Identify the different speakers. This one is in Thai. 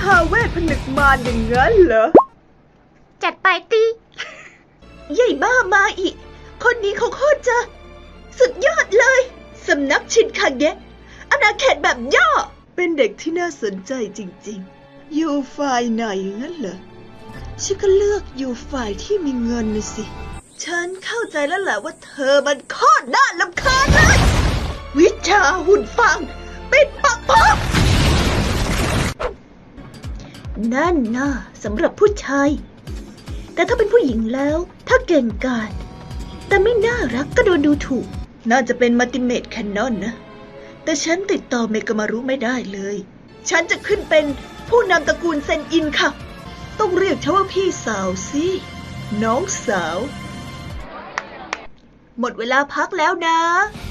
Speaker 1: หาเวทผนึกมารอย่างนั้นเหรอ
Speaker 2: จัดไปตี
Speaker 1: ใหญ่บ้ามาอีกคนนี้เขาโคตรจะสุดยอดเลยสำนักชินคาเงะอาณาเขตแบบย่อเป็นเด็กที่น่าสนใจจริงๆอยู่ฝ่ายไหนงั้นเหรอฉันก็เลือกอยู่ฝ่ายที่มีเงินนะสิฉันเข้าใจแล้วแหละว่าเธอมันโคตรน่ารำคาญเลยวิชาหุ่นฟางปิดปากพอกนั่นน่ะสำหรับผู้ชายแต่ถ้าเป็นผู้หญิงแล้วถ้าเก่งกาจแต่ไม่น่ารักก็โดนดูถูกน่าจะเป็นมัลติเมทแคนนอนนะแต่ฉันติดต่อเมกามารุไม่ได้เลยฉันจะขึ้นเป็นผู้นำตระกูลเซนอินค่ะต้องเรียกฉันว่าพี่สาวสิน้องสาวหมดเวลาพักแล้วนะ